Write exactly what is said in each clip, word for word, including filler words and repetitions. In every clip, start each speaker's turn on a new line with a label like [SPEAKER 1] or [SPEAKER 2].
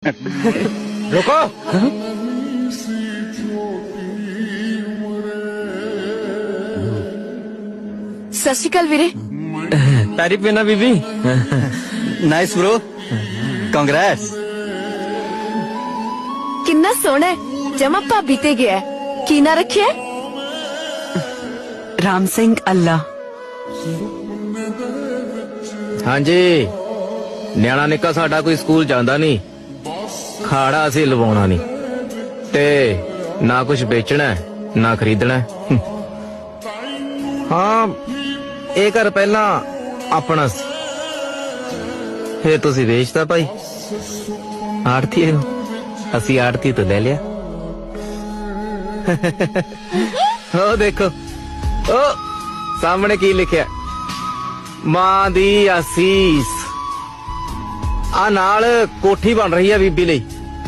[SPEAKER 1] रुको।
[SPEAKER 2] सत श्री अकाल वीरे।
[SPEAKER 1] तारीफ है ना बीबी। Nice bro, Congress.
[SPEAKER 2] किन्ना सोहना है, जमा भाभी ते गया है। की ना रखिया?
[SPEAKER 3] राम सिंह अल्लाह।
[SPEAKER 1] हाँ जी, न्याणा निक्का साडा कोई स्कूल जांदा नहीं, खाड़ा असीं लवाउणा नहीं, ते ना कुछ बेचना है ना खरीदना है। हाँ, ਇਹ ਘਰ ਪਹਿਲਾਂ ਆਪਣਾ ਸੀ, ਫੇਰ ਤੁਸੀਂ ਵੇਚਤਾ ਭਾਈ ਆੜਤੀ ਨੂੰ, ਅਸੀਂ ਆੜਤੀ ਤੋਂ ਲੈ ਲਿਆ। ਉਹ ਦੇਖੋ, ਉਹ ਸਾਹਮਣੇ ਕੀ ਲਿਖਿਆ, ਮਾਂ ਦੀ ਆਸੀਸ। ਆ ਨਾਲ ਕੋਠੀ ਬਣ ਰਹੀ ਆ ਬੀਬੀ ਲਈ।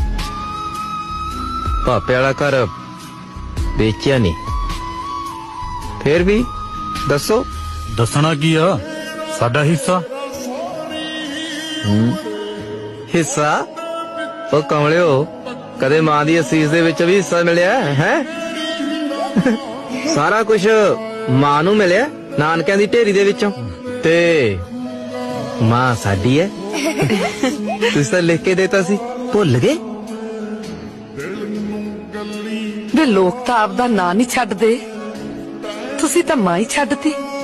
[SPEAKER 1] ਭਾਪੇ ਵਾਲਾ ਘਰ ਵੇਚਿਆ ਨਹੀਂ, ਫੇਰ ਵੀ ਦੱਸੋ।
[SPEAKER 4] ਦੱਸਣਾ ਕੀ ਆ, ਸਾਡਾ ਹਿੱਸਾ।
[SPEAKER 1] ਹਿੱਸਾ? ਉਹ ਕਮਲਿਓ, ਕਦੇ ਮਾਂ ਦੀ ਅਸੀਸ ਦੇ ਵਿੱਚ ਵੀ ਹਿੱਸਾ ਮਿਲਿਆ ਹੈ? ਸਾਰਾ ਕੁਝ ਮਾਂ ਨੂੰ ਮਿਲਿਆ ਨਾਨਕਿਆਂ ਦੀ ਢੇਰੀ ਦੇ ਵਿੱਚੋਂ, ਤੇ ਮਾਂ ਸਾਡੀ ਹੈ। ਤੁਸੀਂ ਤਾਂ ਲਿਖ ਕੇ ਦੇਤਾ ਸੀ, ਭੁੱਲ ਗਏ?
[SPEAKER 3] ਵੇ ਲੋਕ ਤਾਂ ਆਪਦਾ ਨਾਂ ਨਹੀਂ ਛੱਡਦੇ, ਤੁਸੀਂ ਤਾਂ ਮਾਂ ਹੀ ਛੱਡਤੀ।